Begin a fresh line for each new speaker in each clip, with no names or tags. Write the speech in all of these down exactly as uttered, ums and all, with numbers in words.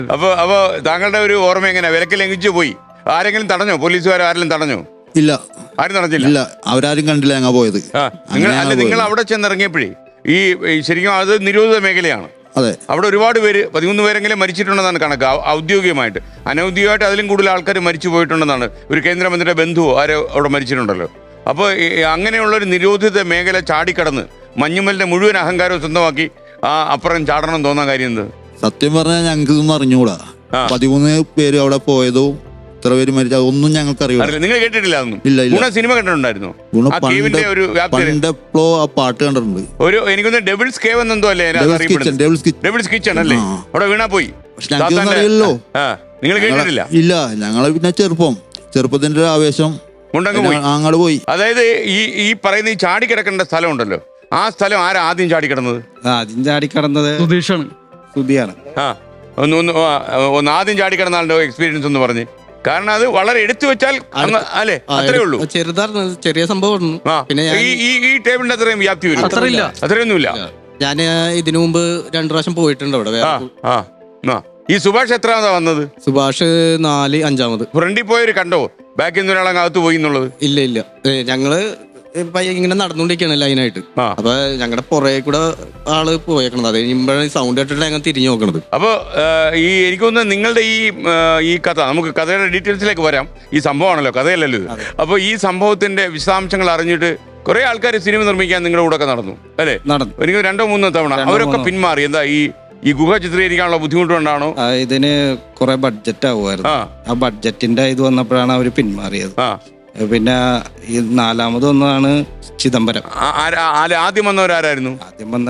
അപ്പൊ അപ്പൊ താങ്കളുടെ ഒരു ഓർമ്മ എങ്ങനെയാ? വിലക്ക് ലംഘിച്ചു പോയി, ആരെങ്കിലും തടഞ്ഞോ? പോലീസുകാർ ആരെങ്കിലും തടഞ്ഞോ?
ഇല്ല,
ആരും തടഞ്ഞില്ല.
ഇല്ല, അവരാരും കണ്ടില്ല ഞങ്ങൾ പോയത്.
ആ നിങ്ങൾ അല്ല നിങ്ങൾ അവിടെ ചെന്നിറങ്ങിയപ്പോഴേ ഈ ശരിക്കും അത് നിരോധിത മേഖലയാണ്.
അതെ, അവിടെ
ഒരുപാട് പേര്, പതിമൂന്ന് പേരെങ്കിലും മരിച്ചിട്ടുണ്ടെന്നാണ് കണക്ക് ഔദ്യോഗികമായിട്ട്. അനൗദ്യോഗികമായിട്ട് അതിലും കൂടുതൽ ആൾക്കാർ മരിച്ചു പോയിട്ടുണ്ടെന്നാണ്. ഒരു കേന്ദ്രമന്ത്രിയുടെ ബന്ധുവോ ആരോ അവിടെ മരിച്ചിട്ടുണ്ടല്ലോ. അപ്പോൾ അങ്ങനെയുള്ളൊരു നിരോധിത മേഖല ചാടിക്കടന്ന് മഞ്ഞുമലിന്റെ മുഴുവൻ അഹങ്കാരവും സ്വന്തമാക്കി ആ അപ്പുറം ചാടണം തോന്നാൻ കാര്യം എന്ത്?
സത്യം പറഞ്ഞാൽ ഞങ്ങൾക്ക് ഇതൊന്നും അറിഞ്ഞുകൂടാ. പതിമൂന്ന് പേര് അവിടെ പോയതോ ഇത്ര പേര് മരിച്ച ഒന്നും ഞങ്ങൾക്ക് അറിയില്ല.
നിങ്ങൾ കേട്ടിട്ടില്ല അതൊന്നും?
ഇല്ല ഇല്ല.
സിനിമ കണ്ടിട്ടുണ്ടായിരുന്നു?
പണ്ടെപ്പോഴോ ആ പാട്ട് കണ്ടിട്ടുണ്ട്.
ഒരു എനിക്കൊന്ന് ഡെവിൾസ് കേവ് എന്നെന്തോ അല്ലേ ഡെവിൾസ് കിച്ചൺ അല്ലേ? അവിടെ വീണാ പോയി.
അറിയില്ലല്ലോ.
നിങ്ങൾ കേട്ടിട്ടില്ല?
ഇല്ല, ഞങ്ങള് പിന്നെ ചെറുപ്പം ചെറുപ്പത്തിന്റെ ഒരു ആവേശം അങ്ങോട്ട് പോയി.
അതായത് ഈ ഈ പറയുന്ന ഈ ചാടിക്കിടക്കേണ്ട സ്ഥലം ഉണ്ടല്ലോ, ആ സ്ഥലം ആരാ ആദ്യം ചാടിക്കിടന്നത്?
ആദ്യം ചാടിക്കിടന്നത് സുധീഷാണ്. സുധിയാണ്.
ആ ഒന്ന് ഒന്ന് ഒന്ന് ആദ്യം ചാടിക്കിടന്ന ആളുടെ എക്സ്പീരിയൻസ് ഒന്ന് പറഞ്ഞ്. കാരണം അത് വളരെ എടുത്തു വെച്ചാൽ അല്ലേ, അത്രേ ഉള്ളൂ.
ചെറുതാണ്, ചെറിയ സംഭവം.
പിന്നെ ഈ ടേബിളിന്റെ അത്രയും വ്യാപ്തി വരും? അത്രയൊന്നുമില്ല.
ഞാൻ ഇതിനു മുമ്പ് രണ്ടു പ്രാവശ്യം പോയിട്ടുണ്ട് അവിടെ.
ഈ സുഭാഷ് എത്രാമതാ വന്നത്?
സുഭാഷ് നാല് അഞ്ചാമത്.
ഫ്രണ്ടിൽ പോയൊരു കണ്ടോ ബാക്കിൽ നിന്ന് ഒരാളെ അകത്ത് പോയി എന്നുള്ളത്?
ഇല്ല ഇല്ല, ഞങ്ങള് ഇങ്ങനെ നടന്നുകൊണ്ടിരിക്കുകയാണ് ലൈനായിട്ട്. അപ്പൊ ഞങ്ങളുടെ പുറകെ കൂടെ ആള് പോയേക്കണത്. അത് കഴിയുമ്പോഴാണ് സൗണ്ട് കേട്ടിട്ട് ഞങ്ങൾ തിരിഞ്ഞു നോക്കണത്.
അപ്പൊ ഈ എനിക്ക് തോന്നുന്നത് നിങ്ങളുടെ ഈ ഈ കഥ, നമുക്ക് കഥയുടെ ഡീറ്റെയിൽസിലേക്ക് വരാം. ഈ സംഭവമാണല്ലോ, കഥയല്ലല്ലോ ഇത്. അപ്പൊ ഈ സംഭവത്തിന്റെ വിശദാംശങ്ങൾ അറിഞ്ഞിട്ട് കുറെ ആൾക്കാർ സിനിമ നിർമ്മിക്കാൻ നിങ്ങളുടെ കൂടെ ഒക്കെ നടന്നു അല്ലേ?
നടന്നു.
എനിക്ക് രണ്ടോ മൂന്നോ തവണ. അവരൊക്കെ പിന്മാറി. എന്താ ഈ ഈ ഗുഹ ചിത്രീകരിക്കാനുള്ള ബുദ്ധിമുട്ട് കൊണ്ടാണോ?
ഇതിന് കുറെ ബഡ്ജറ്റ് ആവുമായിരുന്നു. ആ ബഡ്ജറ്റിന്റെ ഇത് വന്നപ്പോഴാണ് അവര് പിന്മാറിയത്. പിന്നെ ഈ നാലാമത് ഒന്നാണ് ചിദംബരം.
ആദ്യം വന്നവരാരായിരുന്നു?
ആദ്യം വന്ന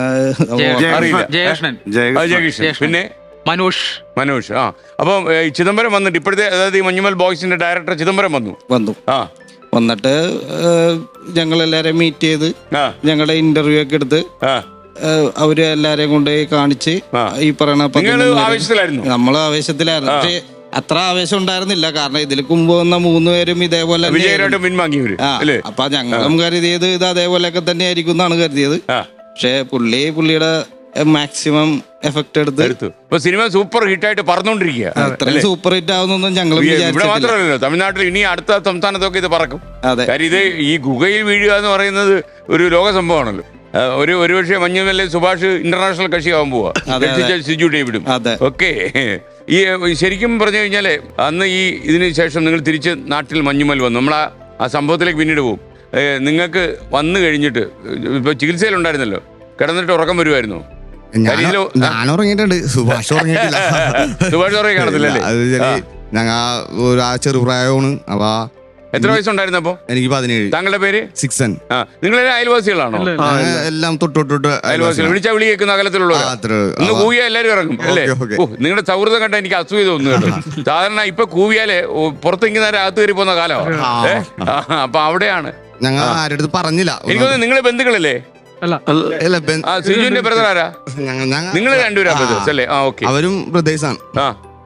ജയകൃഷ്ണൻ, പിന്നെ
മനോഷ്
മനോഷ് ആ അപ്പൊ ചിദംബരം വന്നിട്ട് ഇപ്പോഴത്തെ, അതായത് ഈ മഞ്ഞുമൽ ബോയ്സിന്റെ ഡയറക്ടർ ചിദംബരം വന്നു
വന്നു ആ വന്നിട്ട് ഞങ്ങളെല്ലാരെയും മീറ്റ് ചെയ്ത് ഞങ്ങളുടെ ഇന്റർവ്യൂ ഒക്കെ എടുത്ത് അവര് എല്ലാരെയും കൊണ്ട് കാണിച്ച് ഈ പറയണ നമ്മള് ആവേശത്തിലായിരുന്നു. പക്ഷേ അത്ര ആവേശം ഉണ്ടായിരുന്നില്ല. കാരണം ഇതിൽ മുമ്പ് വന്ന മൂന്ന് പേരും ഇതേപോലെ അപ്പൊ ഞങ്ങളും കരുതിയത് ഇത് അതേപോലെയൊക്കെ തന്നെ ആയിരിക്കും എന്നാണ് കരുതിയത്. പക്ഷെ പുള്ളി പുള്ളിയുടെ മാക്സിമം എഫക്ട് എടുത്ത്
സിനിമ സൂപ്പർ ഹിറ്റ് ആയിട്ട് പറഞ്ഞോണ്ടിരിക്കുക.
സൂപ്പർ ഹിറ്റ് ആവുന്നൊന്നും ഞങ്ങൾ
ഇവിടെ മാത്രമല്ലല്ലോ, തമിഴ്നാട്ടിൽ ഇനി അടുത്ത സംസ്ഥാനത്തൊക്കെ ഇത് പറക്കും. കാര്യം ഇത് ഈ ഗുഹയിൽ വീഴുക എന്ന് പറയുന്നത് ഒരു ലോക സംഭവമാണല്ലോ. ഒരു ഒരുപക്ഷെ മഞ്ഞുമല്ലെ സുഭാഷ് ഇന്റർനാഷണൽ കക്ഷിയാവാൻ പോവാ, സിജു ഡേവിഡും ഓക്കെ. ഈ ശരിക്കും പറഞ്ഞു കഴിഞ്ഞാല് അന്ന് ഈ ഇതിന് ശേഷം നിങ്ങൾ തിരിച്ച് നാട്ടിൽ മഞ്ഞുമൽ വന്നു. നമ്മൾ ആ ആ സംഭവത്തിലേക്ക് പിന്നീട് പോകും. നിങ്ങൾക്ക് വന്നു കഴിഞ്ഞിട്ട് ഇപ്പൊ ചികിത്സയിലുണ്ടായിരുന്നല്ലോ, കിടന്നിട്ട് ഉറക്കം വരുമായിരുന്നു?
ഞാൻ ഉറങ്ങിയിട്ടുണ്ട്, സുഭാഷ് ഉറങ്ങിയിട്ടില്ല.
സുഭാഷ് ഉറങ്ങി കാണത്തില്ലല്ലേ?
ഞങ്ങ ഒരു ചെറുപ്രായമാണ്. അപ്പൊ
എത്ര വയസ്സുണ്ടായിരുന്നു അപ്പൊ?
എനിക്ക് പതിനേഴ്.
താങ്കളുടെ പേര്?
സിക്സൻ.
ആ നിങ്ങളെല്ലാം അയൽവാസികളാണോ?
എല്ലാം തൊട്ടൊട്ട്
അയൽവാസികൾ. വിളിച്ചാ വിളി കേൾക്കുന്ന അകലത്തിലുള്ളവർ ഒന്ന് കൂവിയാൽ എല്ലാവരും ഇറങ്ങും അല്ലേ? നിങ്ങളുടെ സൗഹൃദം കണ്ട എനിക്ക് അസൂയ തോന്നുന്നു. സാധാരണ ഇപ്പൊ കൂവിയാലേ പുറത്തെങ്കിൽ നേരെ അകത്ത് കയറി പോകുന്ന കാലമാണ്. അപ്പൊ അവിടെയാണ്
ഞങ്ങൾ ആരുടെ പറഞ്ഞില്ല.
എനിക്ക് തോന്നുന്നു നിങ്ങളെ ബന്ധുക്കളല്ലേ? സിജുവിന്റെ ബ്രദർ ആരാ? നിങ്ങൾ രണ്ടുപേരാ ബ്രദേഴ്സ് അല്ലേ? ആ ഓക്കെ.
അവരും ബ്രദേഴ്സാണ്.
ആ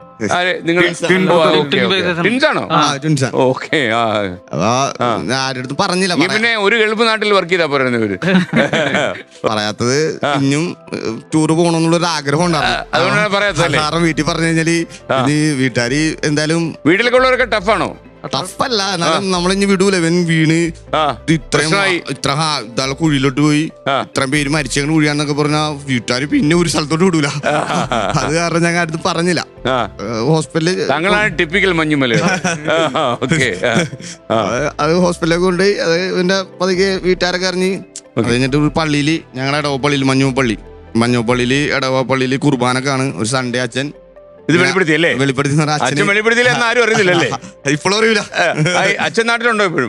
പറഞ്ഞില്ല.
പിന്നെ ഒരു ഗൾഫ് നാട്ടിൽ വർക്ക് ചെയ്താ പറയുന്നവര്
പറയാത്തത് ഇനിയും ടൂർ പോകണമെന്നുള്ള ആഗ്രഹം ഉണ്ടായിരുന്നു.
അതുകൊണ്ടാണ് പറയാത്തത്.
കാരണം വീട്ടിൽ പറഞ്ഞു കഴിഞ്ഞാല് വീട്ടുകാര് എന്തായാലും
വീട്ടിലൊക്കെ ഉള്ളവരൊക്കെ ടഫാണോ?
ടഫല്ല, എന്നാലും നമ്മളിഞ്ഞ് വിടൂല. ഇവൻ വീണ് ഇത്രയും ഇത്ര ഇതാളെ കുഴിയിലോട്ട് പോയി ഇത്രയും പേര് മരിച്ചങ്ങനെ കുഴിയാന്നൊക്കെ പറഞ്ഞാ വീട്ടുകാര് പിന്നെ ഒരു സ്ഥലത്തോട്ട് വിടൂല. അത് കാരണം ഞങ്ങൾ അടുത്ത് പറഞ്ഞില്ല. ഹോസ്പിറ്റലിൽ
ടിപ്പിക്കൽ മഞ്ഞുമല
അത് ഹോസ്പിറ്റലിലേക്ക് കൊണ്ടുപോയി. അത് എന്റെ പതുക്കെ വീട്ടുകാരൊക്കെ അറിഞ്ഞ് അത് കഴിഞ്ഞിട്ട് ഒരു പള്ളിയില്, ഞങ്ങളുടെ ഇടവ പള്ളിയിൽ മഞ്ഞു പള്ളി മഞ്ഞു പള്ളിയില് ഇടവ പള്ളിയില് കുർബാനക്കാണ്. ഒരു സൺഡേ അച്ഛൻ
ഇത് വെളിപ്പെടുത്തിയല്ലേ? അച്ഛൻ വെളിപ്പെടുത്തിയില്ല എന്ന് ആരും അറിയുന്നില്ലല്ലേ?
ഇപ്പോഴും അറിയില്ല.
അച്ഛൻ നാട്ടിലുണ്ടോ ഇപ്പോഴും?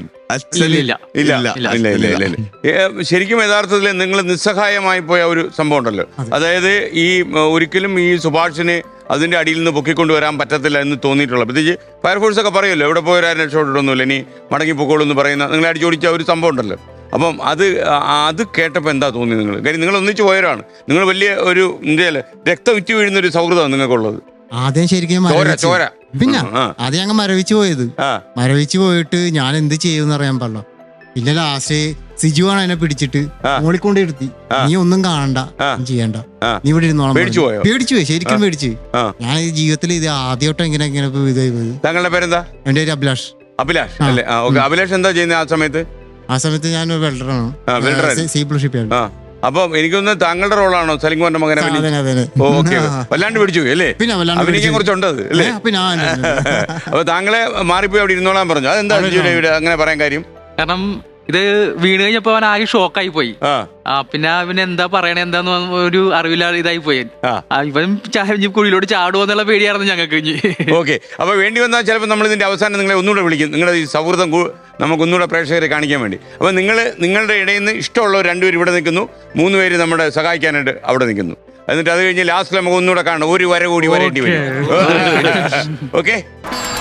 ശരിക്കും യഥാർത്ഥത്തിൽ നിങ്ങൾ നിസ്സഹായമായി പോയ ഒരു സംഭവം ഉണ്ടല്ലോ. അതായത് ഈ ഒരിക്കലും ഈ സുഭാഷിനെ അതിന്റെ അടിയിൽ നിന്ന് പൊക്കിക്കൊണ്ട് വരാൻ പറ്റത്തില്ല എന്ന് തോന്നിയിട്ടുള്ള, പ്രത്യേകിച്ച് ഫയർഫോഴ്സ് ഒക്കെ പറയുമല്ലോ എവിടെ പോയാലും രക്ഷപ്പെട്ടിട്ടൊന്നുമില്ല, ഇനി മടങ്ങി പൊക്കോളൂ എന്ന് പറയുന്ന നിങ്ങളെ അടിച്ചോടിച്ച ഒരു സംഭവം ഉണ്ടല്ലോ. അപ്പം അത് അത് കേട്ടപ്പോൾ എന്താ തോന്നി നിങ്ങൾ? കാര്യം നിങ്ങൾ ഒന്നിച്ച് പോയവരാണ്. നിങ്ങൾ വലിയ ഒരു ഇന്ത്യയിലെ രക്തം ഉറ്റി വീഴുന്ന ഒരു സൗഹൃദമാണ് നിങ്ങൾക്കുള്ളത്.
ആദ്യം ശരിക്കും പിന്നെ ആദ്യം ഞങ്ങൾ മരവിച്ച് പോയത്. മരവിച്ച് പോയിട്ട് ഞാൻ എന്ത് ചെയ്യുമെന്ന് അറിയാൻ പാടില്ല.
പിന്നെ ലാസ്റ്റ് സിജുവാണ് എന്നെ പിടിച്ചിട്ട് മോളിക്കൊണ്ട് ഇരുത്തി, നീ ഒന്നും കാണണ്ട, നീ ചെയ്യണ്ട, നീ ഇവിടെ ഇരുന്നോളാം.
പേടിച്ചു പോയോ?
പേടിച്ചു പോയി, ശരിക്കും പേടിച്ചു. ഞാൻ ഈ ജീവിതത്തിൽ ഇത് ആദ്യമായിട്ട് ഇങ്ങനെ ഇങ്ങനെ ഇതായി പോയത്.
താങ്കളുടെ പേരെന്താ?
എന്റെ പേര് അഭിലാഷ്.
അഭിലാഷ് അല്ലേ? അഭിലാഷ് എന്താ ചെയ്യുന്നത് ആ സമയത്ത്?
ആ സമയത്ത് ഞാൻ വെൽഡറാണ്, സി പ്ലസ് ഷിപ്പ്.
അപ്പൊ എനിക്കൊന്ന് താങ്കളുടെ റോളാണോ സലിംകുമാറിന്റെ മകനെ? ഓക്കെ, വല്ലാണ്ട് പിടിച്ചു പോയി അല്ലേ?
പിന്നെ
അഭിനയിക്കാൻ കുറച്ചുണ്ട് അല്ലേ? അപ്പൊ താങ്കളെ മാറിപ്പോയി അവിടെ ഇരുന്നോളാൻ പറഞ്ഞു. അതെന്താ ഇവിടെ അങ്ങനെ പറയാൻ കാര്യം?
കാരണം ഇത് വീണ് കഴിഞ്ഞപ്പോ അവൻ ആകെ ഷോക്കായി പോയി. ആ പിന്നെ അവന് എന്താ പറയണേ എന്താന്ന് ഒരു അറിവില്ലാതെ ഇതായി പോയി. ഇവൻ കുഴിയിലോട്ട് ചാടുമോ എന്നുള്ള പേടിയായിരുന്നു ഞങ്ങൾക്ക്.
ഓക്കെ, അപ്പൊ വേണ്ടി വന്നാൽ ചിലപ്പോൾ നമ്മൾ ഇതിന്റെ അവസാനം നിങ്ങളെ ഒന്നുകൂടെ വിളിക്കും, നിങ്ങളുടെ ഈ സൗഹൃദം നമുക്ക് ഒന്നുകൂടെ പ്രേക്ഷകരെ കാണിക്കാൻ വേണ്ടി. അപ്പൊ നിങ്ങൾ നിങ്ങളുടെ ഇടയിൽ നിന്ന് ഇഷ്ടമുള്ളവർ രണ്ടുപേരും ഇവിടെ നിൽക്കുന്നു, മൂന്ന് പേര് നമ്മുടെ സഹായിക്കാനായിട്ട് അവിടെ നിൽക്കുന്നു. എന്നിട്ട് അത് കഴിഞ്ഞ് ലാസ്റ്റ് നമുക്ക് ഒന്നുകൂടെ കാണണം, ഒരു വര കൂടി വരേണ്ടി വരും. ഓക്കെ.